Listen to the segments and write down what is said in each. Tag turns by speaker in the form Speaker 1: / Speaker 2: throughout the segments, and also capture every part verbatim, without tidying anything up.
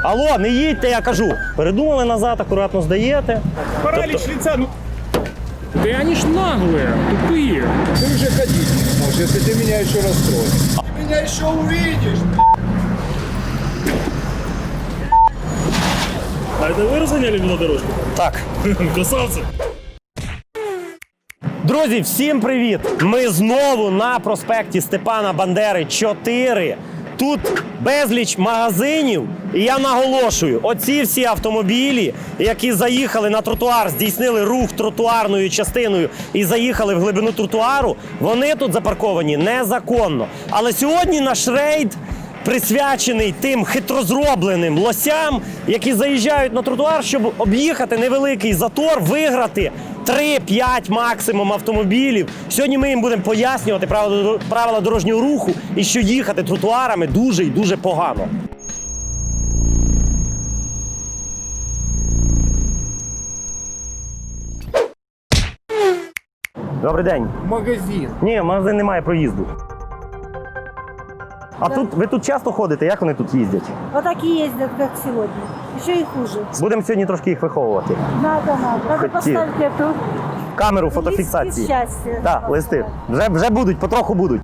Speaker 1: Алло, не їдьте, я кажу. Передумали назад, акуратно здаєте.
Speaker 2: Паралич
Speaker 1: Тобто...
Speaker 2: лица, ну... Да они ж наглые, тупые.
Speaker 3: Ты уже ходить не можешь, если ты меня еще расстроишь. Ты меня еще увидишь.
Speaker 2: А это вы разгоняли велодорожку?
Speaker 1: Так.
Speaker 2: Красавцы.
Speaker 1: Друзі, всім привіт! Ми знову на проспекті Степана Бандери чотири. Тут безліч магазинів. І я наголошую, оці всі автомобілі, які заїхали на тротуар, здійснили рух тротуарною частиною і заїхали в глибину тротуару, вони тут запарковані незаконно. Але сьогодні наш рейд присвячений тим хитрозробленим лосям, які заїжджають на тротуар, щоб об'їхати невеликий затор, виграти три-п'ять максимум автомобілів. Сьогодні ми їм будемо пояснювати правила дорожнього руху і що їхати тротуарами дуже і дуже погано. Добрий день.
Speaker 3: Магазин.
Speaker 1: Ні, в магазин немає проїзду. А тут ви тут часто ходите? Як вони тут їздять?
Speaker 4: Вот такие ездят, как сегодня. Еще и хуже.
Speaker 1: Будемо сьогодні трошки їх виховувати.
Speaker 4: Надо, надо. Надо
Speaker 1: Хотел.
Speaker 4: поставить эту
Speaker 1: Камеру
Speaker 4: листки
Speaker 1: фотофіксації.
Speaker 4: счастья.
Speaker 1: Так, листи. Вже, вже будуть, потроху будуть.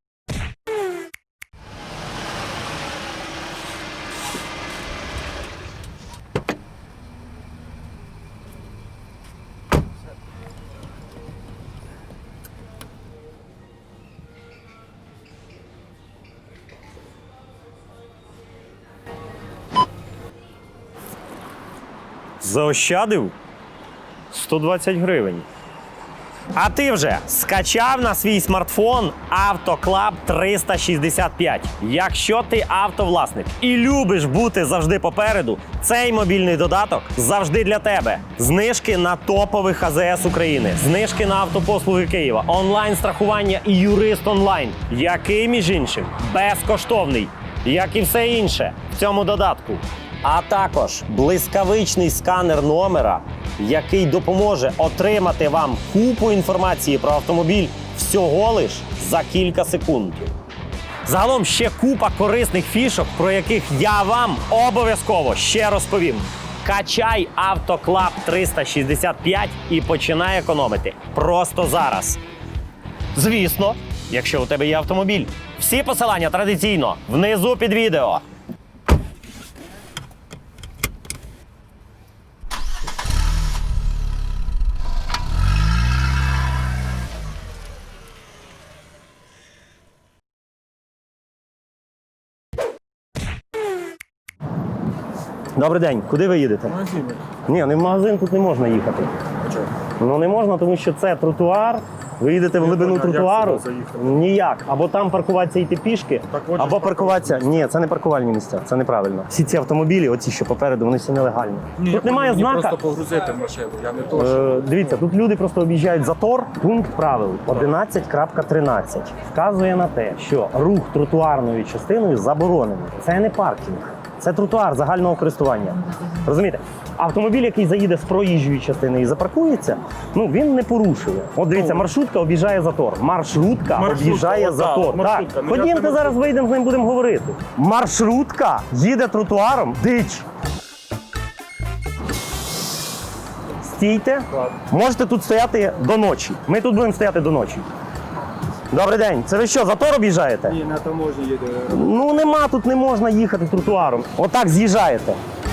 Speaker 1: Заощадив сто двадцять гривень. А ти вже скачав на свій смартфон Автоклаб триста шістдесят п'ять. Якщо ти автовласник і любиш бути завжди попереду, цей мобільний додаток завжди для тебе. Знижки на топових А Зе Ес України, знижки на автопослуги Києва, онлайн-страхування і юрист онлайн, який, між іншим, безкоштовний, як і все інше в цьому додатку. А також блискавичний сканер номера, який допоможе отримати вам купу інформації про автомобіль всього лиш за кілька секунд. Загалом ще купа корисних фішок, про яких я вам обов'язково ще розповім. Качай Автоклаб триста шістдесят п'ять і починай економити просто зараз. Звісно, якщо у тебе є автомобіль. Всі посилання традиційно внизу під відео. Добрий день. Куди ви їдете?
Speaker 3: Магазин.
Speaker 1: Ні, не в магазин тут не можна їхати.
Speaker 3: А что?
Speaker 1: Ну не можна, тому що це тротуар. Ви їдете в глибину
Speaker 3: понял, як
Speaker 1: тротуару.
Speaker 3: сюди заїхати?
Speaker 1: Ніяк. Або там паркуватися і йти пішки,
Speaker 3: Так от
Speaker 1: або
Speaker 3: ж
Speaker 1: паркуватися. Ні, це не паркувальні місця, це неправильно. Всі ці автомобілі, оці що попереду, вони всі нелегальні.
Speaker 3: Ні,
Speaker 1: тут немає
Speaker 3: мені
Speaker 1: знака.
Speaker 3: просто погрузити в машину, я не то, що...
Speaker 1: Е, дивіться, тут люди просто об'їжджають затор. Пункт правил одинадцять крапка тринадцять вказує на те, що рух тротуарною частиною заборонений. Це не паркінг, це тротуар загального користування. Розумієте? Автомобіль, який заїде з проїжджої частини і запаркується, ну він не порушує. От дивіться, маршрутка об'їжджає затор. Маршрутка,
Speaker 3: Маршрутка,
Speaker 1: об'їжджає
Speaker 3: о,
Speaker 1: затор.
Speaker 3: так, маршрутка.
Speaker 1: Так,
Speaker 3: Ну, я
Speaker 1: ходімте
Speaker 3: тебе-
Speaker 1: зараз вийдемо з ним, будемо говорити. Маршрутка їде тротуаром, дич. Стійте. Можете тут стояти до ночі. Ми тут будемо стояти до ночі. Добрий день. Це ви що, затор об'їжджаєте?
Speaker 3: Ні, на таможні їде.
Speaker 1: Ну нема, тут не можна їхати тротуаром. Отак з'їжджаєте.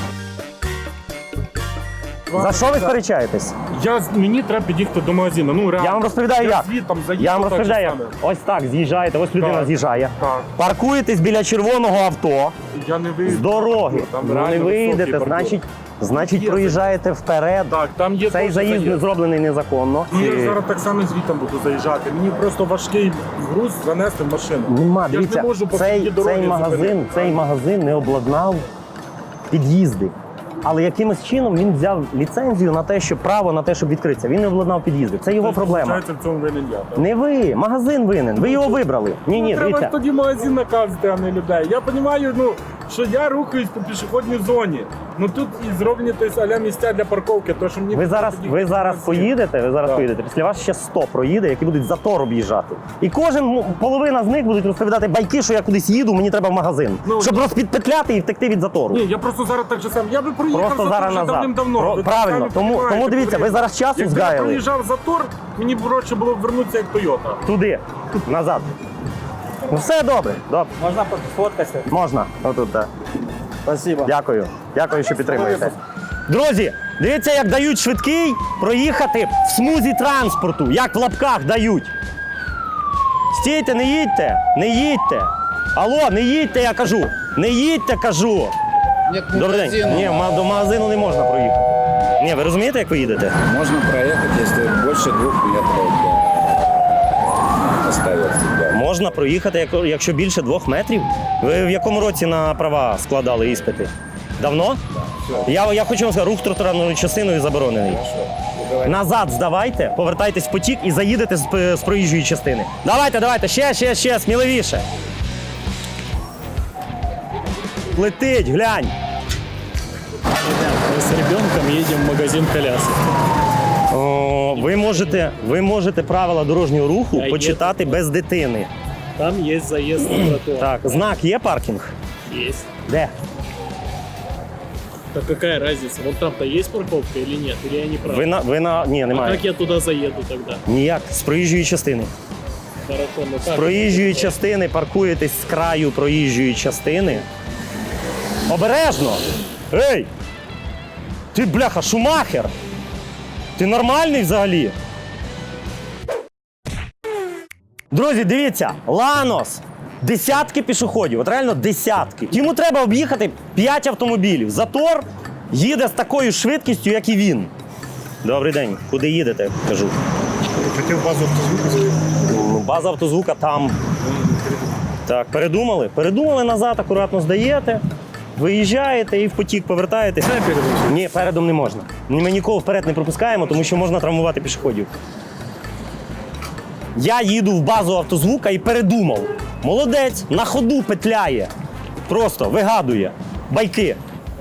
Speaker 1: За що ви сперечаєтесь?
Speaker 2: Я, мені треба під'їхати до магазину, ну реально.
Speaker 1: Я вам розповідаю, як.
Speaker 2: звідтам заїхав,
Speaker 1: Я вам
Speaker 2: так
Speaker 1: розповідаю,
Speaker 2: же
Speaker 1: як.
Speaker 2: саме.
Speaker 1: Ось так з'їжджаєте, ось людина
Speaker 2: Так.
Speaker 1: з'їжджає.
Speaker 2: Так.
Speaker 1: Паркуєтесь біля червоного авто
Speaker 2: Я не вийду.
Speaker 1: з дороги.
Speaker 2: Там
Speaker 1: Ну
Speaker 2: реально
Speaker 1: не
Speaker 2: високий
Speaker 1: вийдете,
Speaker 2: паркур.
Speaker 1: значить, значить
Speaker 2: Є
Speaker 1: проїжджаєте вперед.
Speaker 2: Так, там є
Speaker 1: Цей
Speaker 2: теж
Speaker 1: заїзд
Speaker 2: заїзд.
Speaker 1: зроблений незаконно.
Speaker 2: Ну, я зараз так само звідти буду заїжджати. Мені просто важкий груз занести в машину.
Speaker 1: Нема,
Speaker 2: я ж
Speaker 1: дивіться,
Speaker 2: не можу по
Speaker 1: цей,
Speaker 2: всій дорозі
Speaker 1: цей, магазин,
Speaker 2: зупинити.
Speaker 1: цей магазин не обладнав під'їзди. Але якимось чином він взяв ліцензію на те, що право на те, щоб відкритися. Він не обладнав під'їзди. Це його проблема.
Speaker 2: Виходить, в цьому винен я. так?
Speaker 1: Не ви, магазин винен. Ви його вибрали. Ні, ні,
Speaker 2: Ну, треба
Speaker 1: дивіться.
Speaker 2: ж тоді магазин наказати, а не людей. Я розумію, ну, що я рухаюсь по пішохідній зоні. Ну тут і зроблені тобто, а-ля місця для парковки, то що мені...
Speaker 1: Ви зараз, ви зараз поїдете, ви зараз
Speaker 2: Так.
Speaker 1: поїдете. Після вас ще сто проїде, які будуть затор об'їжджати. І кожен, ну, половина з них будуть розповідати байки, що я кудись їду, мені треба в магазин.
Speaker 2: Ну,
Speaker 1: щоб розпідпетляти і втекти від затору.
Speaker 2: Ні, я просто зараз так же сам. Я би проїхав
Speaker 1: Просто
Speaker 2: затор
Speaker 1: зараз
Speaker 2: вже
Speaker 1: назад.
Speaker 2: давним-давно.
Speaker 1: Про-
Speaker 2: Ви
Speaker 1: правильно.
Speaker 2: самі
Speaker 1: Тому-
Speaker 2: розумієте,
Speaker 1: тому дивіться, ви зараз часу
Speaker 2: Якби
Speaker 1: згаяли.
Speaker 2: я проїжджав затор, мені б проще було б вернутися як Тойота.
Speaker 1: Туди, назад. Ну все добре, добре.
Speaker 5: Можна фоткатися?
Speaker 1: Можна. Отут, так.
Speaker 5: Спасибо.
Speaker 1: Дякую. Дякую, що підтримуєте. Друзі, дивіться, як дають швидкий проїхати в смузі транспорту. Як в лапках дають. Стійте, не їдьте, не їдьте. Алло, не їдьте, я кажу. Не їдьте, кажу.
Speaker 3: Нет
Speaker 1: Добрий день. Ні, ма- до магазину не можна проїхати. Ні, ви розумієте, як ви їдете?
Speaker 3: Можно проехать, если больше двух метров да, остается. Да.
Speaker 1: Можна проїхати, як- якщо більше двох метрів. Ви в якому році на права складали іспити? Давно? Я, я хочу вам сказати, рух тротуарною частиною заборонений. Назад здавайте, повертайтесь в потік і заїдете з, п- з проїжджої частини. Давайте, давайте, ще, ще, ще, сміливіше. Летить, глянь.
Speaker 6: Мы с ребенком едем в магазин колясок.
Speaker 1: О, ви, можете, ви можете правила дорожнього руху
Speaker 6: Я
Speaker 1: почитати без дитини.
Speaker 6: Там есть заезд на тротуар.
Speaker 1: Так, знак є паркінг?
Speaker 6: Есть.
Speaker 1: Де?
Speaker 6: Так какая разница? Вот там-то есть парковка или нет? Или я не прав?
Speaker 1: Ви на, ви на... Ні,
Speaker 6: А
Speaker 1: немає.
Speaker 6: как я туда заеду тогда?
Speaker 1: Ніяк, з проїжджої частини.
Speaker 6: Хорошо, ну
Speaker 1: З
Speaker 6: как?
Speaker 1: проїжджої частини паркуєтесь з краю проїжджої частини. Обережно! Ей! Ти, бляха, Шумахер! Ти нормальний взагалі? Друзі, дивіться, Ланос. Десятки пішоходів, от реально десятки. Йому треба об'їхати п'ять автомобілів. Затор їде з такою швидкістю, як і він. Добрий день. Куди їдете? Кажу.
Speaker 2: Хотів базу автозвуку.
Speaker 1: Ну, база автозвука там. Так, передумали? Передумали, назад акуратно здаєте, виїжджаєте і в потік повертаєтесь. Ні, передом не можна. Ми нікого вперед не пропускаємо, тому що можна травмувати пішоходів. Я їду в базу автозвука і передумав. Молодець, на ходу петляє. Просто вигадує. Байки.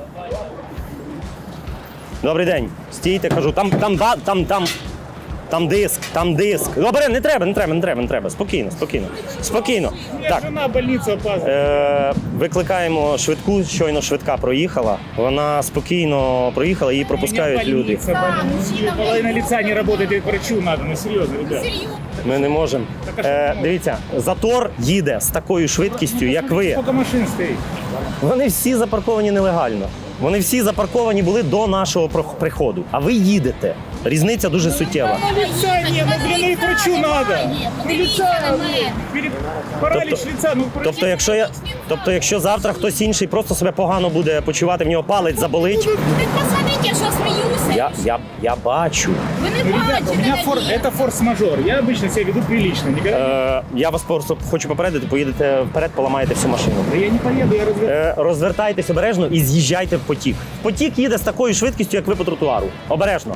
Speaker 1: Добрий день. Стійте, кажу, там, там, ба- там, там, там диск, там диск. Добре, не треба, не треба, не треба, не треба. Спокійно, спокійно. Спокійно. Так.
Speaker 6: Жена больницу опаздывает.
Speaker 1: Е, викликаємо швидку, щойно швидка проїхала. Вона спокійно проїхала, її пропускають люди.
Speaker 6: Половина лица не работает, и к врачу надо, ну серьезно, ребят.
Speaker 1: Ми не можемо. Е, дивіться, затор їде з такою швидкістю, як ви.
Speaker 6: Сколько машин стоит?
Speaker 1: Вони всі запарковані нелегально. Вони всі запарковані були до нашого про- приходу. А ви їдете. Різниця дуже суттєва.
Speaker 6: Лица нет, ну блин, и к врачу надо. Ну лица, перед... паралич
Speaker 1: Тобто-
Speaker 6: лица, ну к врачу.
Speaker 1: Тобто, якщо я, тобто, якщо завтра хтось інший просто себе погано буде почувати, в нього палець заболить.
Speaker 7: Ви посмотрите, я що сміюся.
Speaker 1: Я, я, я бачу.
Speaker 7: Ви не
Speaker 6: Ребята, у меня
Speaker 7: бачите.
Speaker 6: фор... это форс-мажор. Я обычно себя веду прилично. Никогда...
Speaker 1: Е, я вас просто хочу попередити, поїдете вперед, поламаєте всю машину.
Speaker 6: Да я не поеду, я разве...
Speaker 1: Е, розвертайтесь обережно і з'їжджайте в потік. Потік їде з такою швидкістю, як ви по тротуару. Обережно.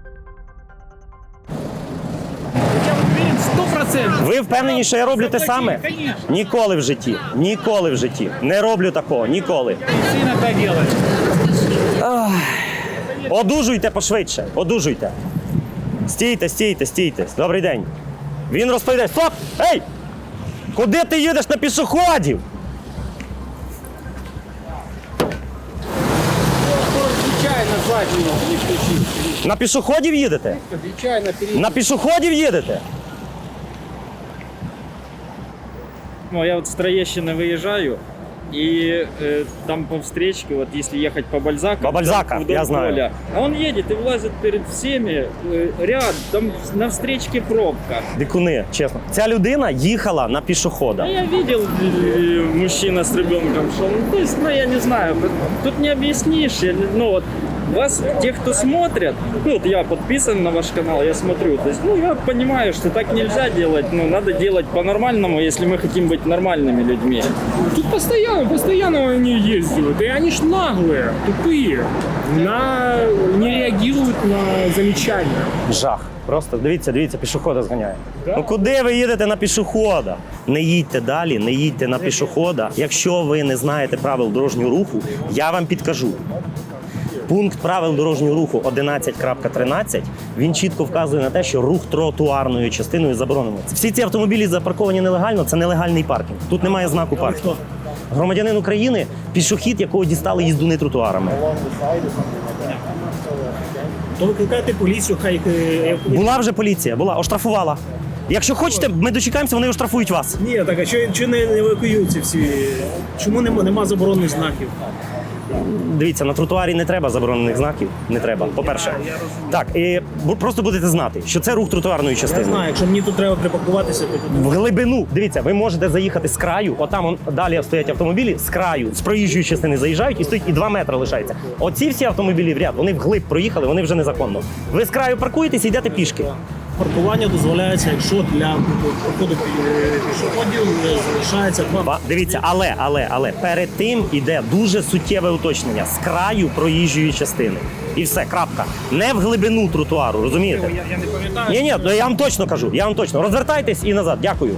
Speaker 6: Я уверен, сто процентов.
Speaker 1: Ви впевнені, що я роблю те саме?
Speaker 6: Конечно.
Speaker 1: Ніколи в житті. Ніколи в житті. Не роблю такого. Ніколи.
Speaker 6: Ты иногда делаешь.
Speaker 1: Одужуйте пошвидше. Одужуйте. Стійте, стійте, стійте. Добрий день. Він розповідає. Стоп! Ей! Куди ти їдеш на пішоходів?
Speaker 3: Нечаянно заднюю не включил.
Speaker 1: На пішоходів їдете?
Speaker 3: Нечаянно перед...
Speaker 1: На пішоходів їдете?
Speaker 5: Ну, я вот с Троещины выезжаю, и э, там по встречке, вот если ехать по Бальзаку,
Speaker 1: По Бальзака,
Speaker 5: вдоль
Speaker 1: я знаю.
Speaker 5: поля, а он едет и влазит перед всеми, э, ряд, там на встречке пробка.
Speaker 1: Дикуни, чесно. Ця людина їхала на пішохода.
Speaker 5: А я видел, э, мужчина с ребенком шел, ну, то есть, ну, я не знаю, тут не объяснишь, я не- ну, вот, вас, те, кто смотрят, ну вот я подписан на ваш канал, я смотрю, то есть, ну я понимаю, что так нельзя делать, ну надо делать по-нормальному, если мы хотим быть нормальными людьми.
Speaker 6: Тут постоянно, постоянно они ездят. И они ж наглые, тупые. На... Не реагируют на замечания.
Speaker 1: Жах. Просто дивіться, дивіться, пішохода зганяє. Ну куди ви їдете на пішохода? Не їдьте далі, не їдьте на пішохода. Якщо ви не знаєте правил дорожнього руху, я вам підкажу. Пункт правил дорожнього руху одинадцять крапка тринадцять, він чітко вказує на те, що рух тротуарною частиною заборонено. Всі ці автомобілі запарковані нелегально, це нелегальний паркінг. Тут немає знаку паркінг. Громадянин України – пішохід, якого дістали їздуни тротуарами.
Speaker 6: То викликайте поліцію, хай... е,
Speaker 1: Була вже поліція, була, оштрафувала. Якщо хочете, ми дочекаємося, вони оштрафують вас.
Speaker 6: Ні, так а що, що не евакуюються всі? Чому нема, нема заборонених знаків?
Speaker 1: Дивіться, на тротуарі не треба заборонених знаків, не треба, по-перше. Так, і бу- просто будете знати, що це рух тротуарної
Speaker 6: Я
Speaker 1: частини.
Speaker 6: знаю, якщо мені тут треба припаркуватися, то тут...
Speaker 1: В глибину, дивіться, ви можете заїхати з краю, отам он, далі стоять автомобілі, з краю, з проїжджої частини заїжджають і стоїть і два метри лишається. Оці всі автомобілі в ряд, вони вглиб проїхали, вони вже незаконно. Ви з краю паркуєтесь і йдете пішки.
Speaker 6: Паркування дозволяється, якщо для проходу пішоходів е, залишається два...
Speaker 1: Ба- Дивіться, але, але, але перед тим іде дуже суттєве уточнення з краю проїжджої частини. І все, крапка. Не в глибину тротуару, розумієте?
Speaker 6: Я, я не пам'ятаю.
Speaker 1: Ні, ні, ну я вам точно кажу, я вам точно. Розвертайтесь і назад. Дякую.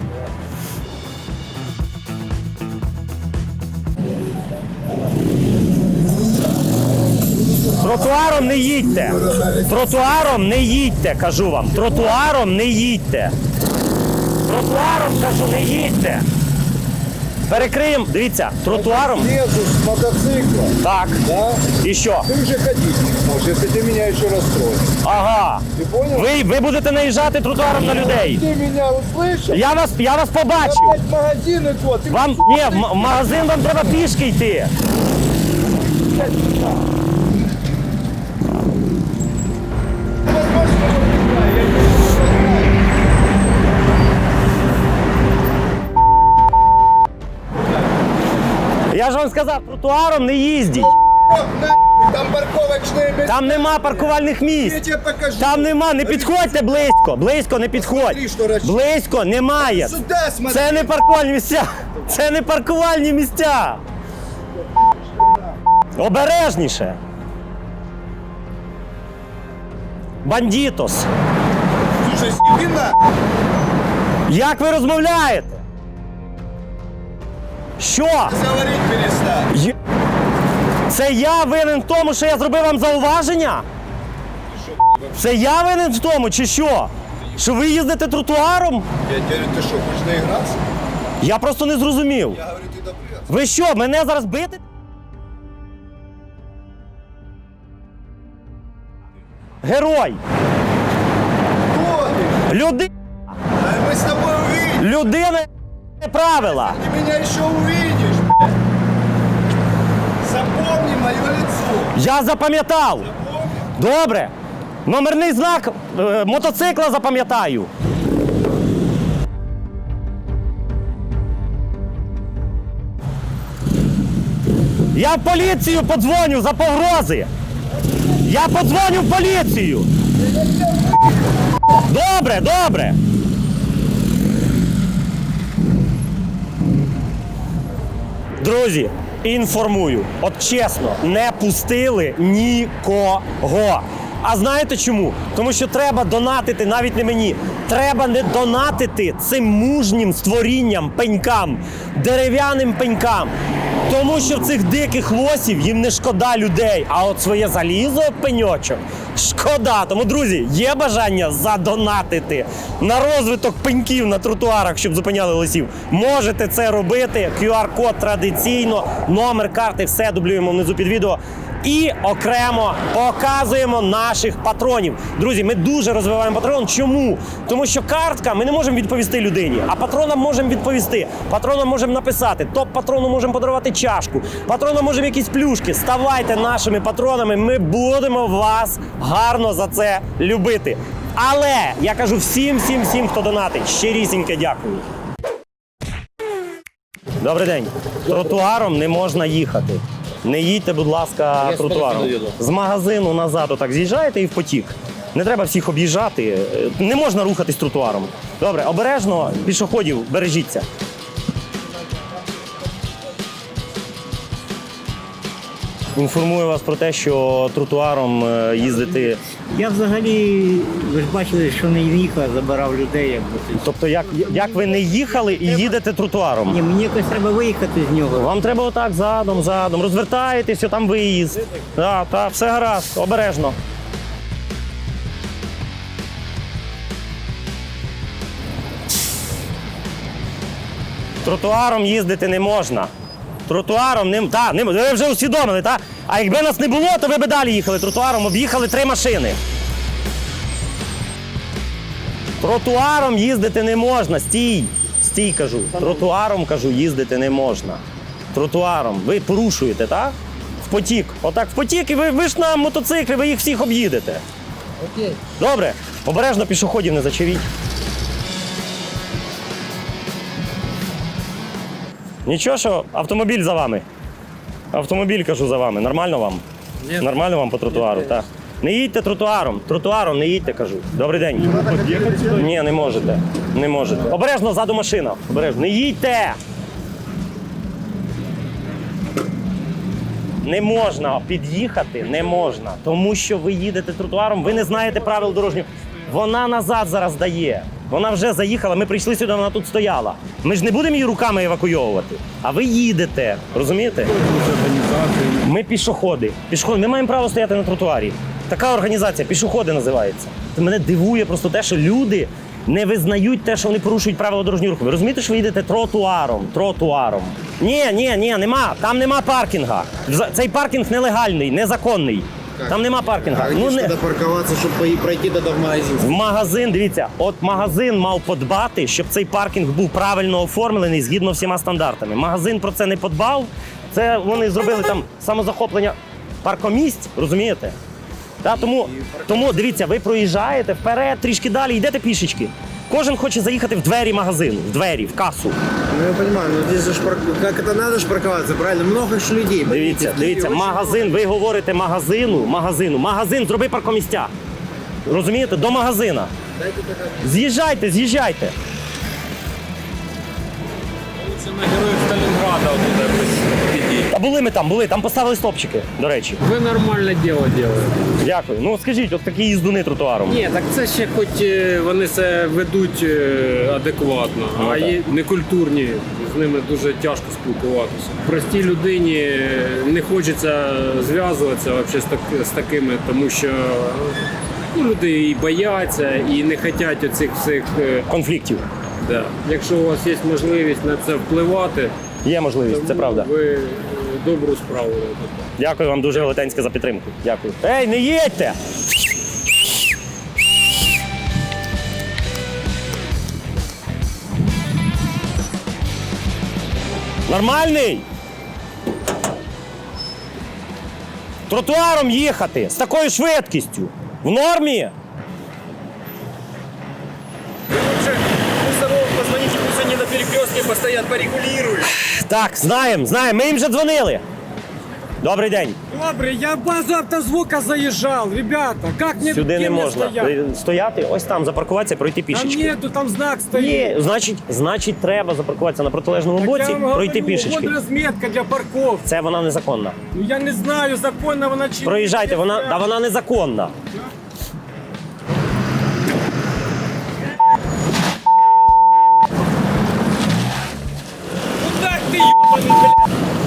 Speaker 1: Тротуаром не їдьте. Тротуаром не їдьте, кажу вам. Тротуаром не їдьте. Тротуаром, кажу, не їдьте. Перекриємо, дивіться, тротуаром.
Speaker 8: Лезу с мотоцикла,
Speaker 1: Так.
Speaker 8: да?
Speaker 1: І що?
Speaker 8: Ты уже ходить не сможешь, если ты меня еще расстроишь.
Speaker 1: Ага.
Speaker 8: Ты понял?
Speaker 1: Ви, ви будете наїжджати тротуаром на людей.
Speaker 8: Ты меня услышал?
Speaker 1: Я вас, я вас побачив.
Speaker 8: Опять магазины твой. Ты
Speaker 1: Вам ні, в м- в магазин вам треба пішки йти. Я ж вам сказав, тротуаром не їздіть.
Speaker 8: там парковочные места.
Speaker 1: Там нема паркувальних
Speaker 8: Я
Speaker 1: місць.
Speaker 8: тебе покажу.
Speaker 1: Там нема, не підходьте близько. Близько не підходь.
Speaker 8: Смотри, що розчі-
Speaker 1: Близько немає.
Speaker 8: Сюда смотри.
Speaker 1: Це не паркувальні місця. Це не паркувальні місця. Обережніше. Бандітос.
Speaker 8: Слушай, Степина,
Speaker 1: Як ви розмовляєте? Що?
Speaker 8: говорить перестань.
Speaker 1: Є- Це я винен в тому, що я зробив вам зауваження? Це я винен в тому, чи що? Що ви їздите тротуаром?
Speaker 8: Я тебе говорю, ты что, хочешь наиграться?
Speaker 1: Я просто не зрозумів.
Speaker 8: Я говорю, ты добрый.
Speaker 1: Ви що, мене зараз бити? Герой!
Speaker 8: Кто ты?
Speaker 1: Люди...
Speaker 8: Да мы с тобой увидим.
Speaker 1: Людина правила.
Speaker 8: Ты меня еще увидишь. блядь. Запомни мое лицо.
Speaker 1: Я запам'ятав. Добре. Номерний знак е, мотоцикла запам'ятаю. Я в поліцію подзвоню за погрози. Я подзвоню в поліцію. Добре, добре. Друзі, інформую, от чесно, не пустили нікого. А знаєте чому? Тому що треба донатити навіть не мені. Треба не донатити цим мужнім створінням, пенькам, дерев'яним пенькам. Тому що в цих диких лосів їм не шкода людей, а от своє залізо, пеньочок, шкода. Тому, друзі, є бажання задонатити на розвиток пеньків на тротуарах, щоб зупиняли лосів. Можете це робити. ку ар-код традиційно, номер карти, все дублюємо внизу під відео. І окремо показуємо наших патронів. Друзі, ми дуже розвиваємо патрон. Чому? Тому що картка ми не можемо відповісти людині, а патронам можемо відповісти. Патронам можемо написати, топ-патрону можемо подарувати чашку, патронам можемо якісь плюшки. Ставайте нашими патронами, ми будемо вас гарно за це любити. Але я кажу всім, всім, всім, хто донатить, щирісіньке дякую. Добрий день. Тротуаром не можна їхати. Не їдьте, будь ласка,
Speaker 3: Я
Speaker 1: тротуаром.
Speaker 3: спереду їду.
Speaker 1: З магазину назад отак з'їжджаєте і в потік. Не треба всіх об'їжджати. Не можна рухатись тротуаром. Добре, обережно, пішоходів, бережіться. Інформую вас про те, що тротуаром е, їздити.
Speaker 9: Я взагалі, ви ж бачили, що не їхав, забирав людей, якби.
Speaker 1: Тобто, як, як ви не їхали і їдете тротуаром?
Speaker 9: Ні, мені якось треба виїхати з нього.
Speaker 1: Вам треба отак задом, задом. Розвертаєтесь, там виїзд. Так, так, все гаразд, обережно. Тротуаром їздити не можна. Тротуаром не, та, не ви вже усвідомили, так? А якби нас не було, то ви б далі їхали тротуаром, об'їхали три машини. Тротуаром їздити не можна. Стій. Стій, кажу. Тротуаром, кажу, їздити не можна. Тротуаром. Ви порушуєте, так? В потік. Отак в потік, і ви, ви ж на мотоциклі, ви їх всіх об'їдете.
Speaker 9: Окей.
Speaker 1: Добре. Обережно пішоходів не зачавіть. Нічого, що автомобіль за вами. Автомобіль, кажу, за вами. Нормально вам? Ні. Нормально вам по тротуару, так. Не їдьте тротуаром. Тротуаром не їдьте, кажу. Добрий день. Ні, не можете. Не можете. Обережно, ззаду машина. Обережно. Не їдьте! Не можна під'їхати, не можна. Тому що ви їдете тротуаром, ви не знаєте правил дорожнього. Вона назад зараз дає. Вона вже заїхала, ми прийшли сюди, вона тут стояла. Ми ж не будемо її руками евакуйовувати. А ви їдете, розумієте? Ми пішоходи. Пішоходи. Ми маємо право стояти на тротуарі. Така організація, пішоходи називається. Це мене дивує просто те, що люди не визнають те, що вони порушують правила дорожнього руху. Ви розумієте, що ви їдете тротуаром, тротуаром. Ні, ні, ні, нема. Там нема паркінга. Цей паркінг нелегальний, незаконний. Там нема паркінга.
Speaker 8: А
Speaker 1: Ну,
Speaker 8: где
Speaker 1: не...
Speaker 8: надо парковаться, чтобы пройти тогда в магазин?
Speaker 1: В магазин, дивіться, от магазин мав подбати, щоб цей паркінг був правильно оформлений згідно всіма стандартами. Магазин про це не подбав. Це вони зробили там самозахоплення паркомісць, розумієте? Та, тому, тому дивіться, ви проїжджаєте вперед, трішки далі, йдете пішечки. Кожен хоче заїхати в двері магазину, в двері, в касу.
Speaker 8: Ну я понимаю, но здесь же ж парк... как это надо ж парковаться, правильно? Много ж людей.
Speaker 1: Дивіться, дивіться, магазин, ви говорите магазину, магазину, магазин, зроби паркомістя. Розумієте? До магазина. З'їжджайте, з'їжджайте.
Speaker 2: Це на героїв Сталінграда отут якось підійти.
Speaker 1: Та були ми там, були, там поставили стопчики, до речі.
Speaker 6: Ви нормальне діло робите.
Speaker 1: Дякую. Ну скажіть, от такі їздуни тротуаром.
Speaker 6: Ні, так це ще хоч е, вони це ведуть е, адекватно,
Speaker 1: Ну,
Speaker 6: а
Speaker 1: так.
Speaker 6: є некультурні, з ними дуже тяжко спілкуватися. Простій людині е, не хочеться зв'язуватися вообще з, так, з такими, тому що ну, люди і бояться, і не хочуть оцих всіх. е,
Speaker 1: Конфліктів.
Speaker 6: Да. Якщо у вас є можливість на це впливати,
Speaker 1: Є можливість, це правда.
Speaker 6: ви е, добру справу робите.
Speaker 1: Дякую вам дуже велетенське за підтримку. Дякую. Ей, не їдьте! Нормальний? Тротуаром їхати з такою швидкістю. В нормі?
Speaker 5: Позвоните, пусть они на перекрестке постоят, порегулируют.
Speaker 1: Так, знаємо, знаємо. Ми їм вже дзвонили. Добрий день.
Speaker 10: Добре, я в базу автозвука заїжджав, ребята, как мне
Speaker 1: Сюди не
Speaker 10: где мне
Speaker 1: можна.
Speaker 10: стоять?
Speaker 1: Ви Стояти, ось там, запаркуватися, пройти
Speaker 10: Там
Speaker 1: пішечки.
Speaker 10: нету, там знак стоит.
Speaker 1: Ні, значить, значить, треба запаркуватися на протилежному
Speaker 10: Так
Speaker 1: боці,
Speaker 10: я вам
Speaker 1: пройти
Speaker 10: говорю,
Speaker 1: пішечки.
Speaker 10: вот разметка для парковки.
Speaker 1: Це вона незаконна.
Speaker 10: Ну я не знаю, законно вона чи ні.
Speaker 1: Проїжджайте, вона, да вона незаконна.
Speaker 10: Так ти ебаний, блядь.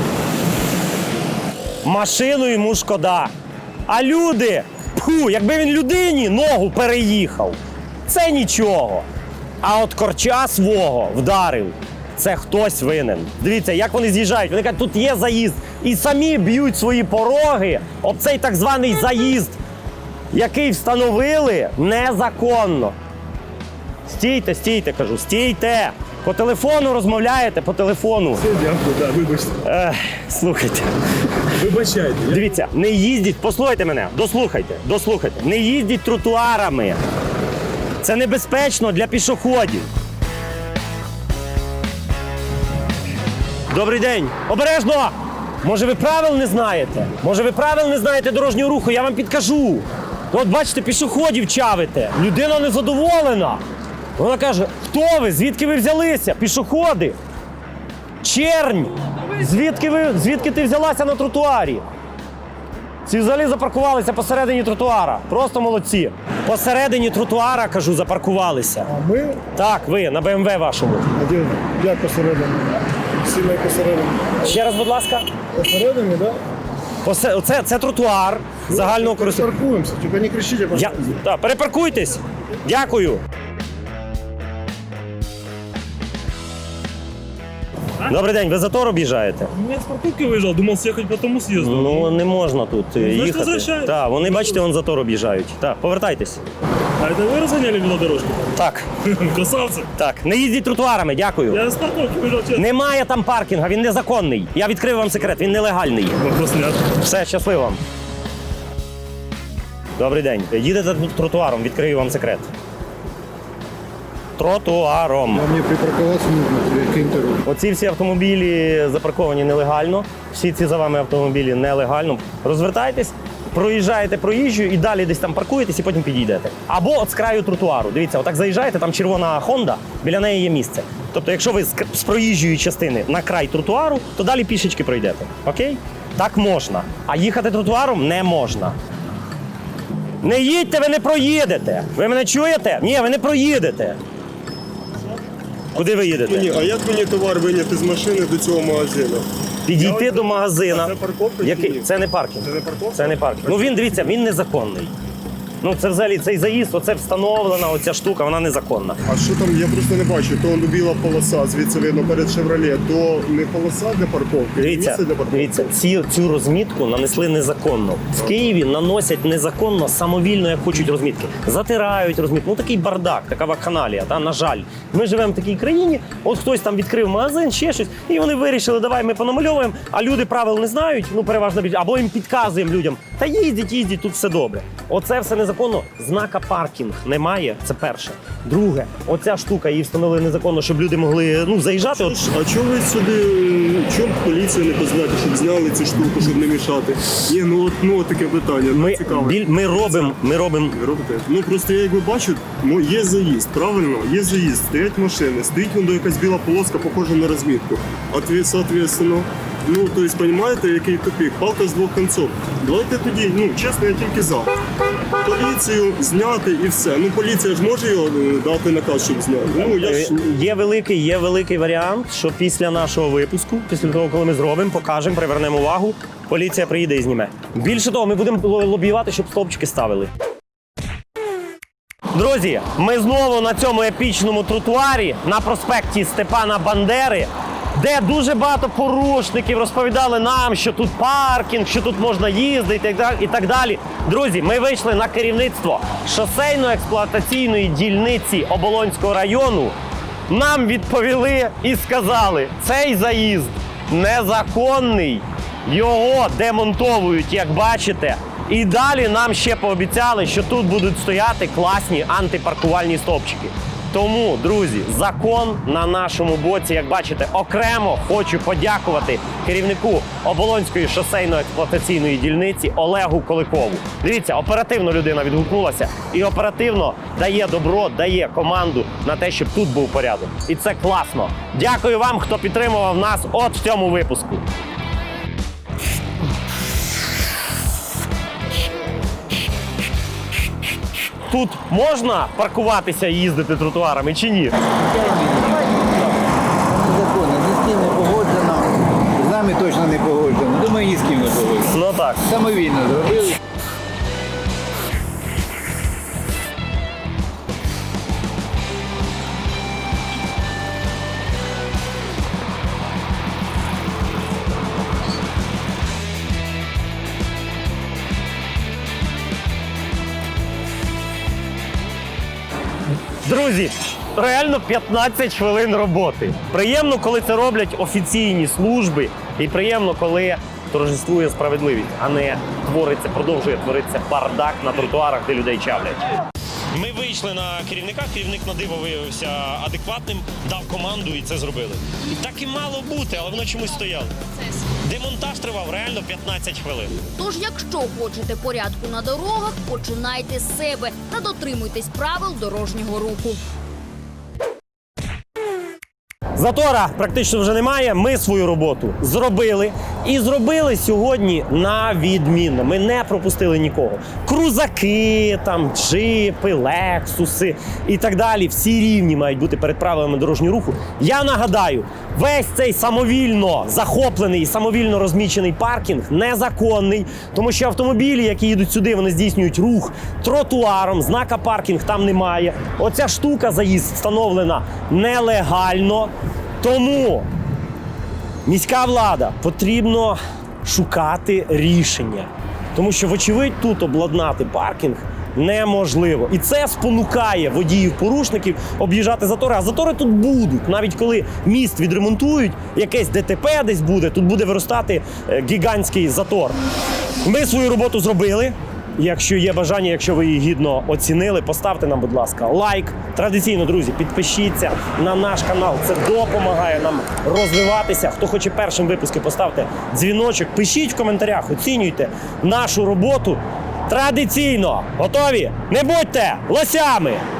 Speaker 1: Машину йому шкода. А люди, пху, якби він людині ногу переїхав, це нічого. А от корча свого вдарив, це хтось винен. Дивіться, як вони з'їжджають. Вони кажуть, тут є заїзд. І самі б'ють свої пороги об цей так званий заїзд, який встановили незаконно. Стійте, стійте, кажу, стійте. По телефону розмовляєте, по телефону.
Speaker 2: Дякую, да, вибачте.
Speaker 1: Ех, слухайте.
Speaker 2: Вибачайте.
Speaker 1: Дивіться, не їздіть, послухайте мене, дослухайте, дослухайте. Не їздіть тротуарами. Це небезпечно для пішоходів. Добрий день. Обережно! Може ви правил не знаєте? Може ви правил не знаєте дорожнього руху? Я вам підкажу. От бачите, пішоходів чавите. Людина незадоволена. Вона каже, хто ви? Звідки ви взялися? Пішоходи. Чернь. Звідки, ви, звідки ти взялася на тротуарі? Ці взагалі запаркувалися посередині тротуара. Просто молодці. Посередині тротуара, кажу, запаркувалися.
Speaker 2: А ми?
Speaker 1: Так, ви, на БМВ вашому.
Speaker 2: А де? Як посередині? Сильно посередині.
Speaker 1: Ще раз, будь ласка.
Speaker 2: Посередині, так? Да?
Speaker 1: Посе... Оце, це тротуар загального користування.
Speaker 2: Паркуємося, тільки не кричіть, а
Speaker 1: Я... Так, перепаркуйтесь. Дякую. Добрий день, ви затор об'їжджаєте?
Speaker 2: Я з парковки виїжджав, думав з'їхати по тому съезду.
Speaker 1: Ну, не можна тут е, їхати.
Speaker 2: возвращайтесь.
Speaker 1: Так, вони, бачите, вон затор об'їжджають. Так, повертайтесь.
Speaker 2: А це ви розганяли велодорожку?
Speaker 1: Так,
Speaker 2: Красавці.
Speaker 1: так. Не їздіть тротуарами, дякую.
Speaker 2: Я з парковки виїжджав, чесно.
Speaker 1: Немає там паркінга, він незаконний. Я відкрив вам секрет, він нелегальний.
Speaker 2: Вопрос нет.
Speaker 1: Все, щасливо вам. Добрий день. Їдете тут тротуаром, відкрию вам секрет. Тротуаром.
Speaker 2: Мені припаркуватися нужно, яким-то рухом.
Speaker 1: Оці всі автомобілі запарковані нелегально. Всі ці за вами автомобілі нелегально. Розвертайтесь, проїжджаєте проїжджу і далі десь там паркуєтесь і потім підійдете. Або от з краю тротуару. Дивіться, отак заїжджаєте, там червона Honda, біля неї є місце. Тобто, якщо ви з к- з проїжджої частини на край тротуару, то далі пішечки пройдете. Окей? Так можна. А їхати тротуаром не можна. Не їдьте, ви не проїдете. Ви мене чуєте? Ні, ви не проїдете. Куди ви їдете?
Speaker 2: А як мені товар виняти з машини до цього магазину?
Speaker 1: Підійти до магазина.
Speaker 2: Це парковка чи
Speaker 1: Який?
Speaker 2: ні?
Speaker 1: Це не паркінг.
Speaker 2: Це не парковка?
Speaker 1: Це не паркінг. Ну він, дивіться, він незаконний. Ну це взагалі цей заїзд, оце встановлена, оця штука, вона незаконна.
Speaker 2: А що там, я просто не бачу, то он біла полоса, звідси видно перед Chevrolet, то не полоса для парковки, не
Speaker 1: Дивіться,
Speaker 2: місце для парковки.
Speaker 1: дивіться, ці, цю розмітку нанесли незаконно. В Києві наносять незаконно, самовільно, як хочуть розмітки. Затирають розмітку. Ну такий бардак, така вакханалія, та, на жаль. Ми живемо в такій країні, от хтось там відкрив магазин, ще щось, і вони вирішили, давай ми понамальовуємо, а люди правил не знають, ну переважно більше, або їм підказуємо людям, та їздіть, їздіть, тут все добре. Оце все незаконно. Знака паркінг немає, це перше. Друге, оця штука її встановили незаконно, щоб люди могли ну, заїжджати. От,
Speaker 2: А чого ви сюди, чому поліцію не позвати, щоб зняли цю штуку, щоб не мішати? Ні, ну от, ну от таке питання, ну,
Speaker 1: ми,
Speaker 2: цікаве.
Speaker 1: біль, ми робимо, ми робимо.
Speaker 2: Ви робите? Ну просто я якби бачу, ну є заїзд, правильно? Є заїзд, стоять машини, стоїть воно якась біла полоска, похожа на розмітку. Ответ, соответственно, ну, то есть, понимаете, який тупик, палка з двох кінців. Давайте тоді, ну, чесно, я тільки за. Поліцію зняти і все. Ну, поліція ж може його е, дати наказ, щоб зняти. Ну, я ж...
Speaker 1: Є великий, є великий варіант, що після нашого випуску, після того, коли ми зробимо, покажемо, привернемо увагу, поліція приїде і зніме. Більше того, ми будемо лобіювати, щоб стовпчики ставили. Друзі, ми знову на цьому епічному тротуарі на проспекті Степана Бандери, де дуже багато порушників розповідали нам, що тут паркінг, що тут можна їздити і так далі, і так далі. Друзі, ми вийшли на керівництво шосейно-експлуатаційної дільниці Оболонського району. Нам відповіли і сказали, цей заїзд незаконний, його демонтовують, як бачите. І далі нам ще пообіцяли, що тут будуть стояти класні антипаркувальні стовпчики. Тому, друзі, закон на нашому боці, як бачите, окремо хочу подякувати керівнику Оболонської шосейно-експлуатаційної дільниці Олегу Коликову. Дивіться, оперативно людина відгукнулася і оперативно дає добро, дає команду на те, щоб тут був порядок. І це класно. Дякую вам, хто підтримував нас от в цьому випуску. Тут можна паркуватися і їздити тротуарами чи ні?
Speaker 8: Незаконно, ні з ким не погоджено, з нами точно не погоджено. Думаю, ні з ким не погоджено.
Speaker 1: Ну так.
Speaker 8: Самовільно зробили.
Speaker 1: Друзі, реально п'ятнадцять хвилин роботи. Приємно, коли це роблять офіційні служби, і приємно, коли торжествує справедливість, а не твориться, продовжує творитися бардак на тротуарах, де людей чавлять. Ми вийшли на керівника, керівник на диво виявився адекватним, дав команду і це зробили. Так і мало бути, але воно чомусь стояло. Демонтаж тривав реально п'ятнадцять хвилин.
Speaker 7: Тож, якщо хочете порядку на дорогах, починайте з себе та дотримуйтесь правил дорожнього руху.
Speaker 1: Затора практично вже немає. Ми свою роботу зробили. І зробили сьогодні на відмінно. Ми не пропустили нікого. Крузаки, там, джипи, лексуси і так далі. Всі рівні мають бути перед правилами дорожнього руху. Я нагадаю, весь цей самовільно захоплений і самовільно розмічений паркінг незаконний. Тому що автомобілі, які їдуть сюди, вони здійснюють рух тротуаром. Знака паркінг там немає. Оця штука, заїзд, встановлена нелегально. Тому міська влада потрібно шукати рішення. Тому що, вочевидь, тут обладнати паркінг неможливо. І це спонукає водіїв-порушників об'їжджати затори. А затори тут будуть. Навіть коли міст відремонтують, якесь ДТП десь буде, тут буде виростати е, гігантський затор. Ми свою роботу зробили. Якщо є бажання, якщо ви її гідно оцінили, поставте нам, будь ласка, лайк. Традиційно, друзі, підпишіться на наш канал. Це допомагає нам розвиватися. Хто хоче першим випуски, поставте дзвіночок. Пишіть в коментарях, оцінюйте нашу роботу. Традиційно. Готові? Не будьте лосями!